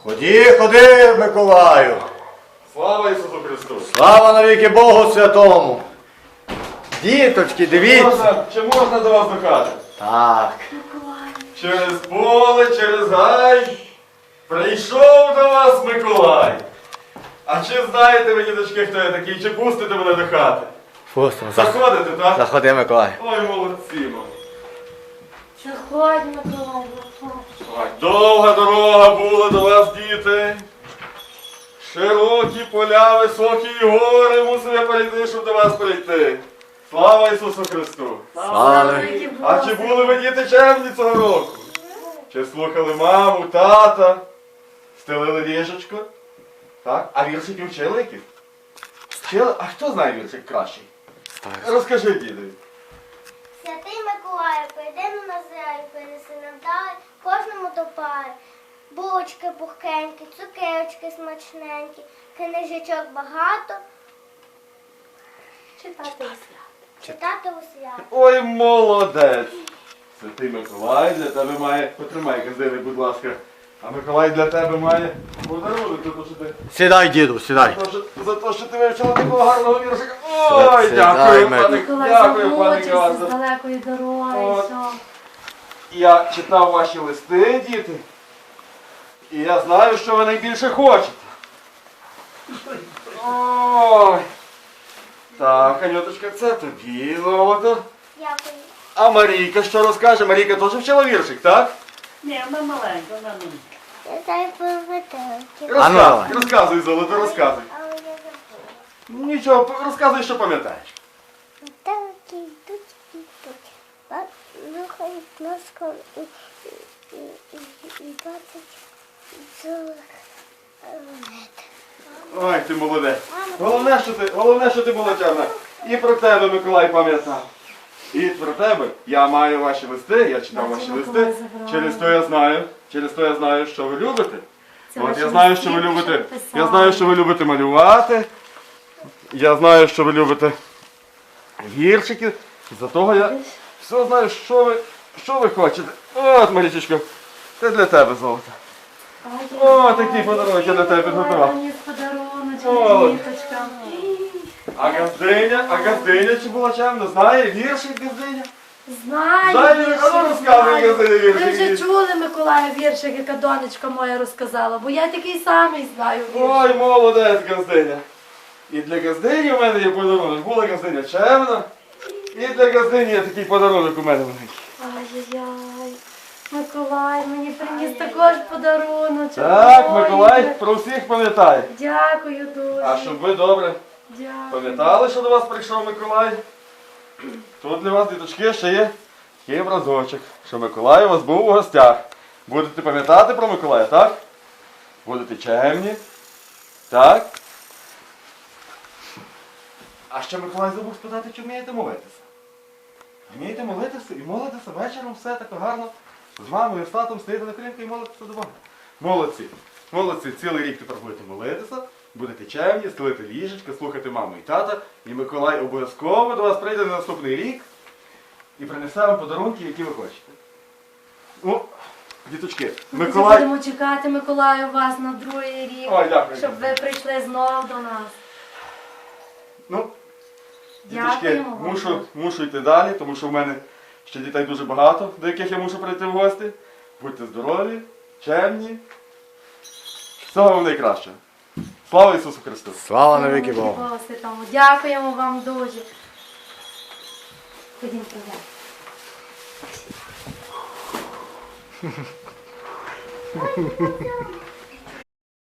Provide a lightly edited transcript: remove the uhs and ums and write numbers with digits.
Ходи, ходи, Миколаю. Слава Ісусу Христу! Слава навіки Богу Святому. Діточки, дивіться. Чи можна до вас до хати? Так. Через поле, через гай прийшов до вас Миколай. А чи знаєте ви, діточки, хто я такий? Чи пустите мене до хати? Пустимо. Заходите, так? Заходи, Миколай. Ой, молодці, мам. Заходь, Миколай, заходь. Ой, довга дорога була до вас, діти. Широкі поля, високі гори мусив я перейти, щоб до вас прийти. Слава Ісусу Христу! Слава навіки. А чи були ви, діти, чемні цього року? Чи слухали маму, тата? Стелили ліжечко? Так? А віршики вчили яких? Вчили? А хто знає віршик кращий? Розкажи, діду. Святий Миколаю, прийди на землю, принеси нам дай кожному до пари. Булочки пухкенькі, цукерочки смачненькі, книжечок багато. Читати у свят. Читати у свят. Ой, молодець! Святий Миколай для тебе має... Потримай газини, будь ласка. А Миколай для тебе має подарунок, за те, що ти... Сідай, діду, сідай. За те, що ти вивчила такого гарного віршика. Ой, Сідай, дякую, Миколай. пане, Миколай дякую, пане замучився з Газа. далекої дороги. От. Все. Я читав ваші листи, діти. І я знаю, що ви найбільше хочете. Ой. Так, Анюточка, це тобі, золото. Дякую. А Марійка що розкаже? Марійка теж вчила віршик, так? Ні, вона маленька, вона не. Я знаю поведенки. А ну, давай. Розказуй, золото, розказуй. Але я забула. Нічого, розказуй, що пам'ятаєш. Метелики йдуть, йдуть. Рухають носком і бачать золих монет. Ой, ти молодець. Головне, що ти була чемна. І про тебе, Миколай, пам'ятав. І про тебе я маю ваші листи, я читав Бачу, ваші Миколай листи. забрав. Через то я знаю, що ви любите. Це От ваші я знаю, листи, що ви любите. що писали. Я знаю, що ви любите малювати. Я знаю, що ви любите віршики. За того я все знаю, що ви хочете. От, Марічечко, це для тебе золото. О, такий подарунок я для тебе підготував. Мені подаруночок, О. діточка. А газдиня чи була чемна? Знає віршик газдиня? Знаю. Знаю, віршик, а ну, розказуй, знаю. Газдиня, віршик. Ви вже чули, Миколая, віршик, яка донечка моя розказала, бо я такий самий знаю віршик. Ой, молодець, газдиня. І для газдині у мене є подарунок. Була газдиня чемна. І для газдині є такий подарунок у мене маленький. Ай-яй-яй. Миколай мені приніс також подарунок. Так, Ой, Миколай про всіх пам'ятає. Дякую дуже. А щоб ви добре Дякую. пам'ятали, що до вас прийшов Миколай, тут для вас, діточки, ще є образочок, що Миколай у вас був у гостях. Будете пам'ятати про Миколая, так? Будете чемні. Так? А ще Миколай забув спитати, чи вмієте молитися. Вмієте молитися і молитися вечором все так гарно. З мамою, з татом стоїте на колінку і молитися до Бога. Молодці. Молодці. Цілий рік тепер будете молитися, будете чемні, стелити ліжечка, слухати маму і тата. І Миколай обов'язково до вас прийде на наступний рік і принесе вам подарунки, які ви хочете. Ну, діточки, Ми Миколай... будемо чекати, Миколаю, вас на другий рік, Ой, дякую. щоб ви прийшли знову до нас. Ну, діточки, Дякуємо вам. мушу йти далі, тому що в мене ще дітей дуже багато, до яких я мушу прийти в гості. Будьте здорові, чемні. Всього вам найкращого. Слава Ісусу Христу! Слава навіки Богу. Богу Святому. Дякуємо вам дуже. Ходім туди.